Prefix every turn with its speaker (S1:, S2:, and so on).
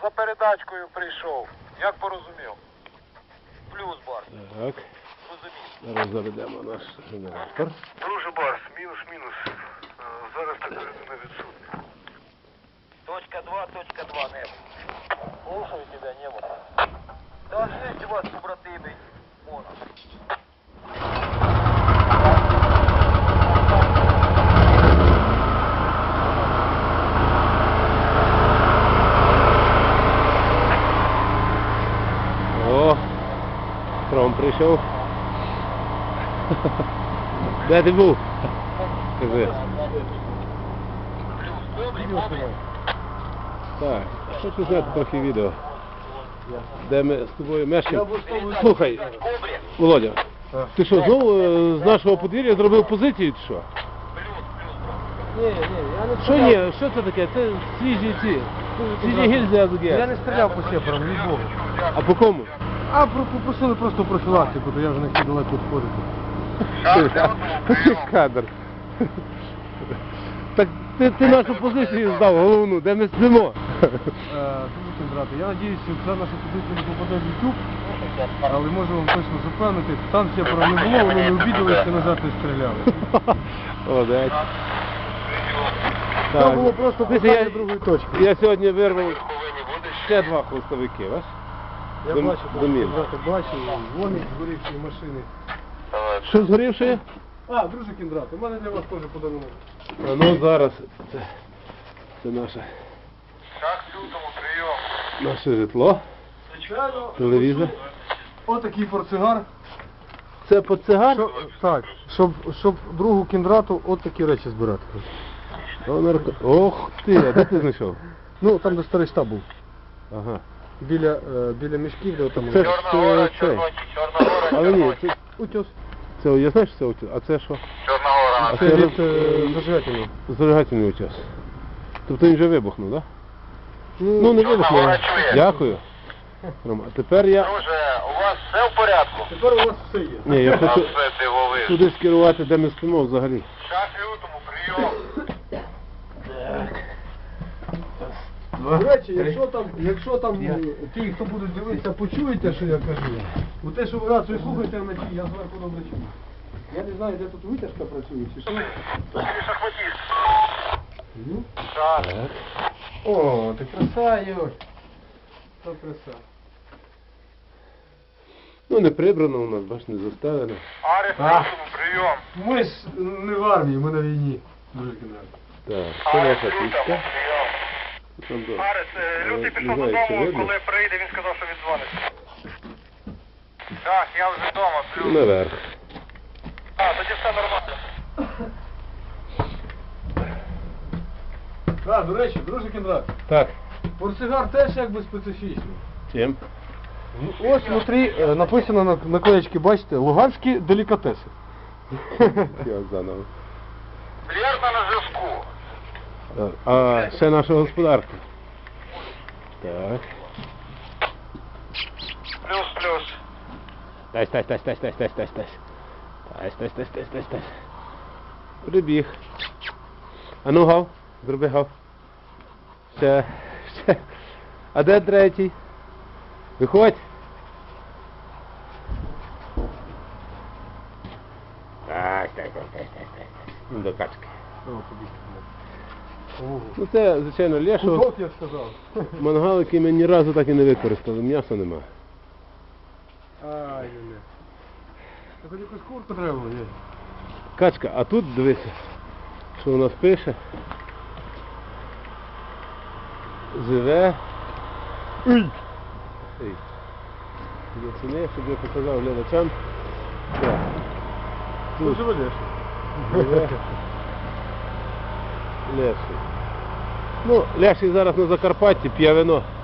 S1: за передачкою прийшов. Як порозумів? Плюс, Барс.
S2: Так.
S1: Розумів.
S2: Зараз заведемо наш генератор.
S3: Друже Барс, мінус-мінус. Зараз так не відсутня.
S1: Точка 2, небо. Слушаю тебя, небо. Да, есть у вас, побратимы, Мона.
S2: О, Тром прийшов. Де ти був? Скажи. Так, хочу зняти трохи відео, де ми з тобою мешкаємо. Слухай, Володя, ти що, знову з нашого подвір'я зробив позицію чи що?
S4: Ні, я не
S2: Що ні? Що це таке? Це свіжі ці. Свіжі гільзи АЗГ.
S4: Я не стріляв по сепарам, від Бога.
S2: А по кому?
S4: А попросили просто профілактику, то я вже не хотів далеко відходити.
S2: Який кадр. Так ти нашу позицію здав, головну, де ми спимо.
S4: Слухайте, брате, я надіюся, що ця наша позиція не попаде в YouTube, але можу вам точно запевнити, там сепара не було, вони не обідалися, назад не стріляли.
S2: Молодець.
S4: Там було просто
S2: Дивіться,
S4: питання другої точки.
S2: Я сьогодні вирвав ще 2 хвостовики, бачиш?
S4: Я
S2: Дом-
S4: бачу,
S2: домів.
S4: брате, бачу, вогник згорівші машини.
S2: Що згорівши?
S4: А, друже Кіндрат, у мене для вас теж подарунок.
S2: А ну зараз це наше,
S1: Шаг лютому, прийом.
S2: наше житло,
S4: Звичайно,
S2: телевізор.
S4: отакий портсигар.
S2: Це портсигар?
S4: Так, щоб другу Кіндрату от такі речі збирати.
S2: Ох ти, а де ти знайшов?
S4: Ну, там де старий штаб був.
S2: Ага.
S4: Біля мішків, де там...
S2: Це ж
S1: Чорна
S2: це.
S1: гора,
S2: Але ні,
S1: Чорночі.
S2: це утюг. Це, я знаю, що це утюг, а це що?
S1: Чорна гора.
S2: А
S4: Це
S2: це
S4: від зажигательного.
S2: зажигательний утюг. Тобто він вже вибухнув, так? Да? Ну не вибухнув.
S1: гора чує.
S2: Дякую. Рома, а тепер я...
S1: Друже, у вас все в порядку?
S4: Тепер у вас все є.
S2: Ні, я
S1: Там
S2: хочу
S1: все дивовижно.
S2: туди скерувати, де ми спимо взагалі.
S1: Шаг лютому, прийом.
S4: До речі, якщо там ті, хто будуть дивитися, почуєте, що я кажу, у те, що ви рацію слухаєте вночі, я зверху добре чую. Я не знаю, де тут витяжка працює, чи що.
S1: Шахматіст.
S4: Ну.
S1: Шаг.
S4: О, ти краса, Юр. То краса.
S2: Ну не прибрано у нас, бач, не заставлено.
S1: Арес лютому, прийом.
S4: Ми ж не в армії, ми на війні. Дуже кінець.
S2: Так, це
S1: Арес
S2: наша
S1: лютому,
S2: пічка.
S1: прийом.
S2: Там до...
S1: Арес, Лютий
S2: Не
S1: пішов
S2: знаю, чи
S1: додому,
S2: видно.
S1: коли прийде, він сказав, що віддзвониться. Так, я вже вдома,
S2: Ну,
S1: плюс.
S2: наверх.
S1: А, тоді все нормально.
S4: Так, до речі, друже Кіндрат,
S2: Так.
S4: портсигар теж якби специфічний.
S2: Чим?
S4: Ось внутрі написано на наклеєчки, бачите, луганські делікатеси.
S2: Я заново.
S1: Більярдна на зв'язку.
S2: А ще наша господарка. Так.
S1: Плюс.
S2: Тась. Прибіг. А ну гав, зроби гав. Ще. А де третій? Виходь. Так. Ну, до качки. Ну це, звичайно, лешо.
S4: Кудок, я сказав.
S2: Мангал, який ми ні разу так і не використали, м'яса нема.
S4: Ай, не. Так хоч якусь курку треба було, є.
S2: Качка, а тут дивися, що у нас пише. Живе. Ей. Ясени, щоб я показав глядачам. Так.
S4: Тут живе Леша.
S2: Живе. Леший. Ну, Леший зараз на Закарпатті п'є вино.